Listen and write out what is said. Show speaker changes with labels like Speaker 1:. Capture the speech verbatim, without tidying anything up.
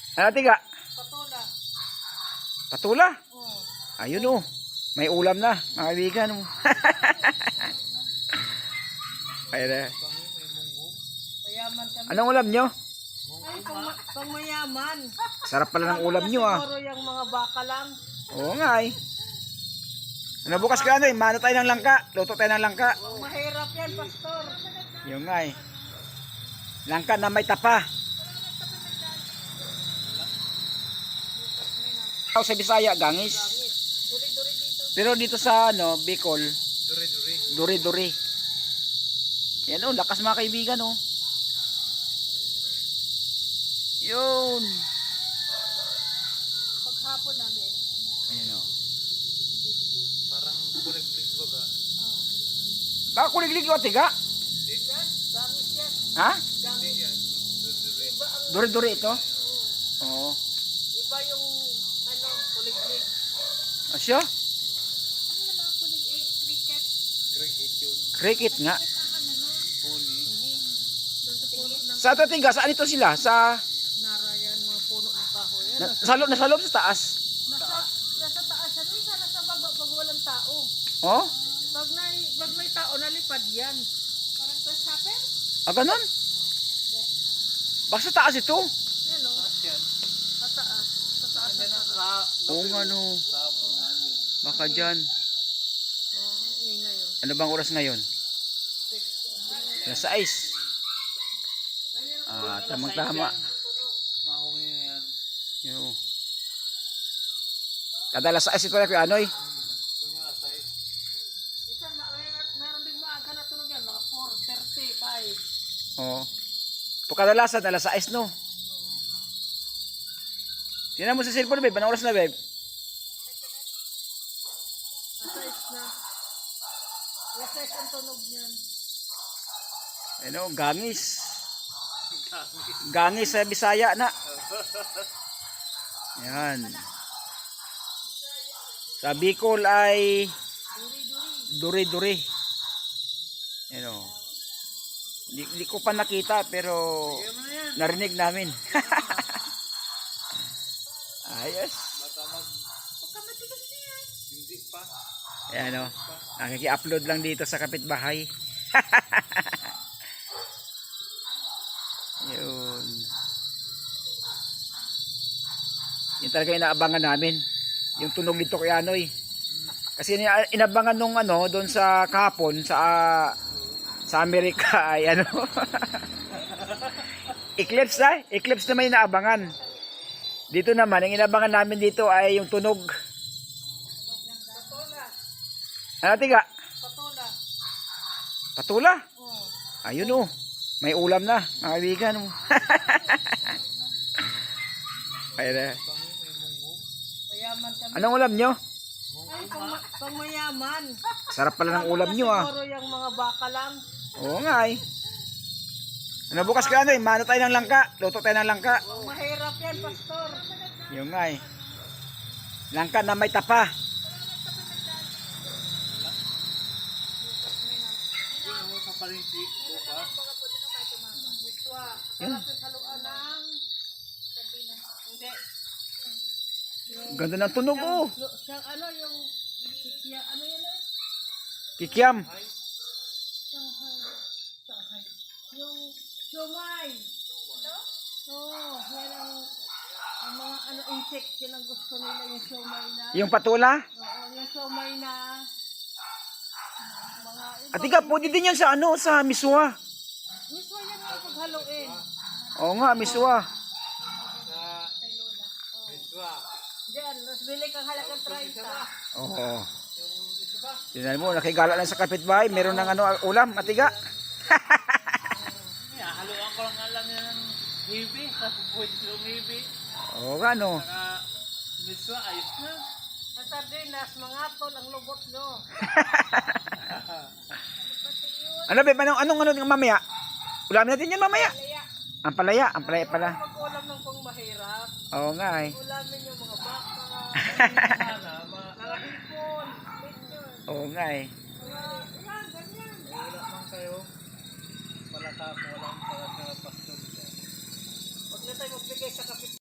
Speaker 1: Ano tiga?
Speaker 2: Patula.
Speaker 1: Patula?
Speaker 2: Oo.
Speaker 1: Ayun oh. May ulam na, mga kaibigan oh. Ayun eh.
Speaker 2: Mayaman kami.
Speaker 1: Anong ulam nyo?
Speaker 2: Ay, pang, pang mayaman.
Speaker 1: Sarap pala ng ulam nyo ah.
Speaker 2: Siguro yung mga baka lang.
Speaker 1: Oo nga eh. Ano bukas ka ano eh, mano tayo ng langka. Luto tayo ng langka.
Speaker 2: Mahirap yan, pastor.
Speaker 1: Yung nga eh. Langka na may tapa. Ako sa Bisaya, gangis.
Speaker 2: Duri-duri dito.
Speaker 1: Pero dito sa ano, Bicol,
Speaker 3: Duri-duri.
Speaker 1: duri-duri. Yan oh, lakas mga kaibigan oh. Yun.
Speaker 2: Paghapon namin.
Speaker 1: Ayan oh.
Speaker 3: Parang kulig-lig baga.
Speaker 1: Baka kuliglig yung tiga?
Speaker 2: Yan, gangis yan.
Speaker 1: Ha?
Speaker 3: Hindi yan. Duri-duri.
Speaker 2: Iba ang,
Speaker 1: Duri-duri ito? Oo.
Speaker 2: iba yung, ano, kulig-lig.
Speaker 1: Asya?
Speaker 2: Ano naman ang kulig-lig? Cricket?
Speaker 3: Cricket yun.
Speaker 1: Cricket nga.
Speaker 3: Huni.
Speaker 2: Doon sa puno ng
Speaker 1: Sa ito tiga, saan ito sila? Sa,
Speaker 2: narayan, mga puno ng kahoy. Yan,
Speaker 1: na, sa, loob, nasa loob sa taas?
Speaker 2: nasa, nasa taas yan. Uy, sana sa baba pag walang tao.
Speaker 1: Oh?
Speaker 2: Pag, na, pag may tao, nalipad yan. Parang grasshopper?
Speaker 1: Ah, ganun? Baka sa taas ito?
Speaker 2: Yan o,
Speaker 3: Taas yan.
Speaker 2: sa taas. Sa taas na
Speaker 3: Yan ang
Speaker 2: taas.
Speaker 3: ka...
Speaker 1: Oo nga no.
Speaker 3: Tapon namin.
Speaker 1: Baka dyan.
Speaker 2: Oh, ang ingay o.
Speaker 1: Ano bang oras ngayon? Alas sais. Ah, tamang tama.
Speaker 3: Mahungi na yan.
Speaker 1: Yo. Kada alas sais ito na kuya Anoy.
Speaker 3: Kung mga size.
Speaker 2: Isa, ma- may- meron din maaga na tunog yan, mga four thirty, five.
Speaker 1: Oo. Po kadalasan alas sais no. Tingnan mo sa cellphone babe, anong oras na babe?
Speaker 2: Alas na. Alas sais ang tunog niyan.
Speaker 1: Ano, gangis. Gangis sa Bisaya na. Yan. Sa Bicol ay duri-duri. Ano. Di, di ko pa nakita pero narinig namin. Ayos.
Speaker 3: Bata mag...
Speaker 2: Huwag ka matigas na yan.
Speaker 3: Hindi pa.
Speaker 1: Ayan o. Nakiki-upload lang dito sa kapitbahay. Yun. Yun talaga inaabangan namin. Yung tunog dito kay Anoy. Kasi ina- inabangan nung ano, doon sa kahapon, sa ah, sa Amerika ay ano. Eclipse na. Eclipse naman yung inaabangan. Dito naman, ang inabangan namin dito ay yung tunog.
Speaker 2: Patola.
Speaker 1: Ano tiga?
Speaker 2: Patola.
Speaker 1: Patula?
Speaker 2: Oh.
Speaker 1: Ayun oh. May ulam na, mga kaibigan oh. Ayun eh.
Speaker 2: Mayaman kami.
Speaker 1: Anong ulam nyo?
Speaker 2: Ay, pang, ma- pang mayaman.
Speaker 1: Sarap pala ng ulam nyo ah.
Speaker 2: Siguro yung mga baka lang.
Speaker 1: Oo nga eh. Ano bukas ka ano eh, mano tayo ng langka. Luto tayo ng langka.
Speaker 2: Oh, mahirap yan, pastor.
Speaker 1: Yung nga eh. Langka na may tapa.
Speaker 3: Yun mo sa palinsi. Buka.
Speaker 2: Miswa.
Speaker 1: Yan.
Speaker 2: Sarap yung haluan ng... Hindi.
Speaker 1: Ganda ng tunog oh.
Speaker 2: Lo- Siyang ano yung... Kikya, ano yun eh?
Speaker 1: Kikiam.
Speaker 2: Shanghai. Shanghai. Yung siomay. Ito? Oo, yan ang, ang mga ano insect, yun ang gusto nila yung siomay na.
Speaker 1: Yung patula.
Speaker 2: Oo, yung siomay na mga iba.
Speaker 1: At ika, pwede din yan sa ano, sa miswa.
Speaker 2: Mismo yan ang paghaluin.
Speaker 1: Oo nga, miswa.
Speaker 3: Sa... Miswa.
Speaker 2: Diyan, mas bili kang halagang thirty.
Speaker 1: Oo. Tingnan mo, nakigala lang sa kapitbahay. Meron ng ano, ulam, atiga.
Speaker 3: Yeah, haluan ko lang alam yan ng hibi. Tapos pwede yung hibi.
Speaker 1: Oo nga no.
Speaker 3: Saka... Miswa, ayos na.
Speaker 2: Ang sardinas, mga tol, ang lubot nyo.
Speaker 1: Ano ba, anong, anong, anong mamaya? Ulamin natin yan mamaya.
Speaker 2: Kaya,
Speaker 1: Ang palaya, ang palaya pala.
Speaker 2: mag-ulam ng pang mahirap.
Speaker 1: Oo nga eh.
Speaker 2: Ulamin yung mga baka,
Speaker 3: Sana, ma...
Speaker 2: mga hipon, bityon.
Speaker 1: Oo nga eh.
Speaker 2: Mga, yan, ganyan.
Speaker 3: Wala man kayo. Malaka ko lang para sa pastor.
Speaker 2: Huwag na tayo magbigay sa kapit